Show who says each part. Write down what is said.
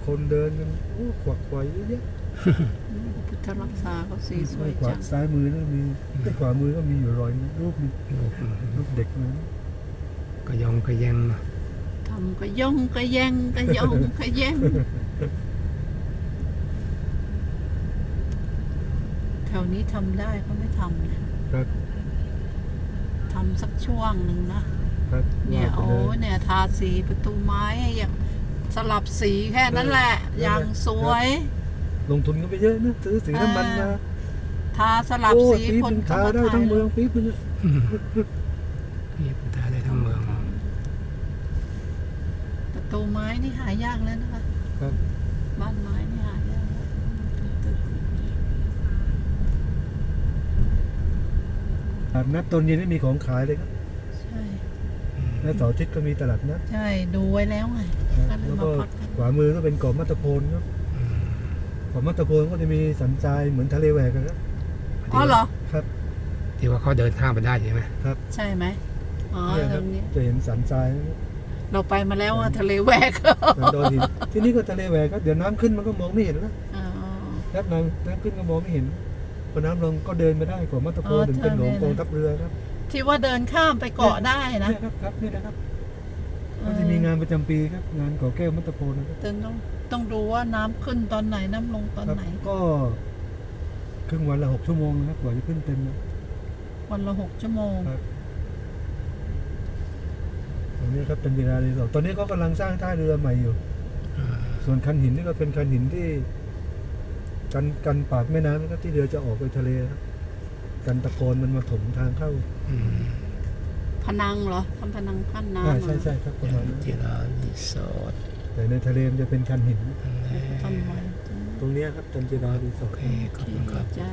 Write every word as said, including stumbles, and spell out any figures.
Speaker 1: คนเดินกันโอ้ขวักไขว่เยอะแยะ
Speaker 2: พุทธรักษาเขาสีสวย
Speaker 1: ขวา
Speaker 2: จัง
Speaker 1: ซ้ายมือก็มีแต่ขวามือก็มีอยู่รอยรูปรูปเด็กนะ
Speaker 3: ก็ยองก็แยงเนาะ
Speaker 2: ทำก็ย่องก็แย่งก็ย่องก็แย่งแถวนี้ทำได้ก็ไม่ทำนะครับ ทำสักช่วงหนึ่งนะครับ เนี่ย
Speaker 1: ว่าไป
Speaker 2: โอ้
Speaker 1: ล
Speaker 2: เนี่ยทาสีประตูไม้อย่างสลับสีแค่นั้นแหละ
Speaker 1: เออ
Speaker 2: อย่างสวย
Speaker 1: ลงทุนกันไปเยอะนะซื้อสีน้ำมันมา
Speaker 2: ทาสลับ
Speaker 1: โอ้
Speaker 2: สี
Speaker 1: ปี
Speaker 2: คน
Speaker 1: นึง
Speaker 2: ก็
Speaker 1: ทา
Speaker 2: มา
Speaker 1: ได้
Speaker 2: ถ่าย
Speaker 1: ทั้งเมืองปีนึง
Speaker 3: นี่พุทธาได้ทั้งเมือง
Speaker 2: ประตูไม้นี่หายากแล้วนะคะ
Speaker 1: ครับ
Speaker 2: บ้านไม้นี่หายากแล้ว
Speaker 1: ตลาดนัดตอนเย็นไม่มีของขายเลยครับ
Speaker 2: ใช่
Speaker 1: แล้วเสาร์อาทิตย์ก็มีตลาดนัด
Speaker 2: ใช่ดูไว้แล้วไง
Speaker 1: นะ
Speaker 2: ก็เลย
Speaker 1: แล้ว
Speaker 2: มา
Speaker 1: ก็
Speaker 2: พักกัน
Speaker 1: ขวามือก็เป็นเกาะมัตตโพนครับเกาะมัตตโพนก็จะมีสันทรายเหมือนทะเลแหวกกันครับ
Speaker 2: อ๋อเหรอ
Speaker 1: ครับ
Speaker 3: ที่ว่าเขาเดินข้ามไปได้ใช่ไหม
Speaker 1: ครับ
Speaker 2: ใช่ไหมอ๋อ
Speaker 1: เนี่ย
Speaker 2: ต
Speaker 1: ค
Speaker 2: ร
Speaker 1: รับ
Speaker 2: งนี้
Speaker 1: จะเห็นสันทรายนะครับ
Speaker 2: เราไปมาแล้วอะทะเลแหวก
Speaker 1: สันดอนหินที่นี่ก็ทะเลแหวกครับเดี๋ยวน้ำขึ้นมันก็มองไม่เห็นแล้ว
Speaker 2: อ๋อ
Speaker 1: ครับน้ำน้ำขึ้นก็มองไม่เห็นพอน้ำลงก็เดินไม่ได้เกาะมัตตโพ
Speaker 2: อ๋
Speaker 1: น
Speaker 2: อ
Speaker 1: ถึงเป็นหลวง
Speaker 2: ใช่
Speaker 1: กองทัพเรือครับ
Speaker 2: ที่ว่าเดินข้ามไปเกาะได้นะ
Speaker 1: เนี่ยครับครับนี่นะครับก็จะมีงานประจำปีครับงานเกาะแก้วมัตตโพนนะครับ
Speaker 2: แต่ต้องต้องดูว่าน้ำขึ้นตอนไหนน้ำลงตอน
Speaker 1: ครับ
Speaker 2: ไหน
Speaker 1: ก็ครึ่งวันละหกชั่วโมงนะครับกว่าจะขึ้นเต็มนะ
Speaker 2: วันละหกชั่วโมง
Speaker 1: ครับ ตรงนี้ครับเป็นกีฬารีสอร์ทตอนนี้ก็กำลังสร้างท่าเรือใหม่อยู่ ส่วนคันหินนี่ก็เป็นคันหินที่กันกันปากแม่น้ำนะครับที่เรือจะออกไปทะเลครับกันตะกอนมันมาถมทางเข้า
Speaker 3: อืม
Speaker 2: พนังเหรอทำพนังขั้นน้ำ
Speaker 1: ใช่
Speaker 2: เหรอ
Speaker 1: ใช่ใช่ครับประมาณนั้น
Speaker 3: ที่เรารีสอร์ท
Speaker 1: แต่ในทะเลมันจะเป็นคันหิน
Speaker 3: นั่นแหละ
Speaker 2: ทำไว้
Speaker 1: ตรงเนี้ยครับจันจิรารีสอ
Speaker 3: โอ
Speaker 1: ร์ท
Speaker 3: เคขอบคุณครับ
Speaker 2: จ้า